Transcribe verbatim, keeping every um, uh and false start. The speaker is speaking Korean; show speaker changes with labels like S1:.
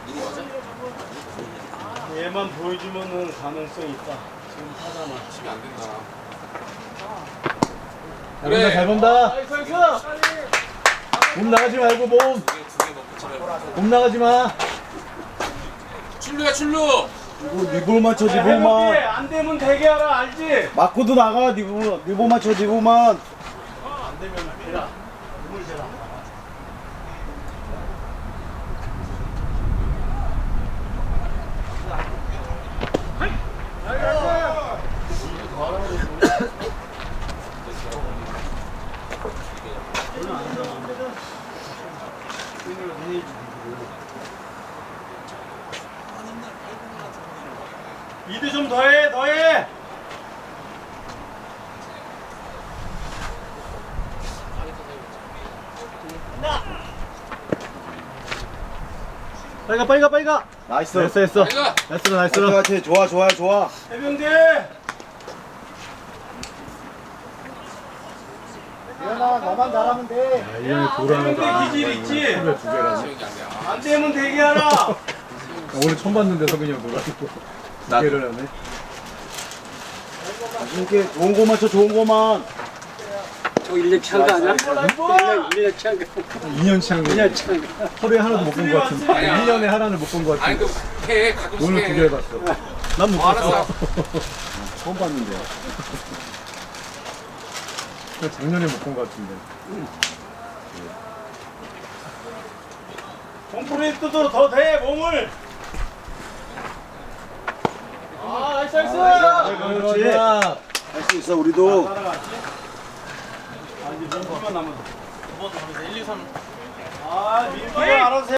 S1: 얘만 보여주면은 가능성이 있다. 지금 타잖아.
S2: 치면 안 된다.
S3: 잘 본다, 잘 본다. 몸 나가지 말고 몸.
S2: 두개 두 개 넣고 차라리.
S3: 몸 나가지 마.
S2: 출루야 출루.
S4: 이거 니볼 맞춰
S1: 해병대
S4: 니볼만
S1: 안 되면 되게 하라 알지?
S4: 맞고도 나가 니볼 니볼 맞춰 니볼만
S1: 안 되면 대라. 눈물 대라. 이드 좀 더해 더해.
S3: 빨리 가, 빨리 가, 빨리 가.
S4: 나이스
S3: 됐어, 됐어.
S2: 빨리 가.
S3: 나이스로,
S4: 나이스
S3: 나이스로.
S4: 같아 좋아 좋아 좋아
S1: 해병대.
S4: 이현아 너만 잘하면 돼
S3: 아, 이 형이 돌아가는
S1: 해병대 기질 있지?
S3: 두 개라.
S2: 기억이 안 나.
S1: 안 되면 되게 하라.
S3: 오늘 처음 봤는데 석인이 형 돌아가고 두 개를 하네.
S4: 이렇게 좋은 거 맞춰 좋은 거만
S5: 저 일 년 차인 거 아니야? 일 년 차인 거.
S3: 이 년 차인 거.
S5: 일 년 차인 거.
S3: 하루에 하나도 못 본 거 같은데.
S2: 아니야.
S3: 일 년에 하나를 못 본 거
S2: 아니
S3: 같은데.
S2: 그해 가끔씩
S3: 오늘
S2: 해.
S3: 두 개 해봤어. 난 못
S2: 어, 알았어.
S3: 봤어.
S4: 처음 봤는데
S3: 작년에 못 본 거 같은데.
S1: 콘크리트도 더 돼 몸을. 아 나이스 나이스.
S4: 그렇지 할 수 있어 우리도
S1: 따라갔지? 아 이제 민기만 남았어. 두 번 남았어. 일, 이, 삼. 아 민기가 알아서 해.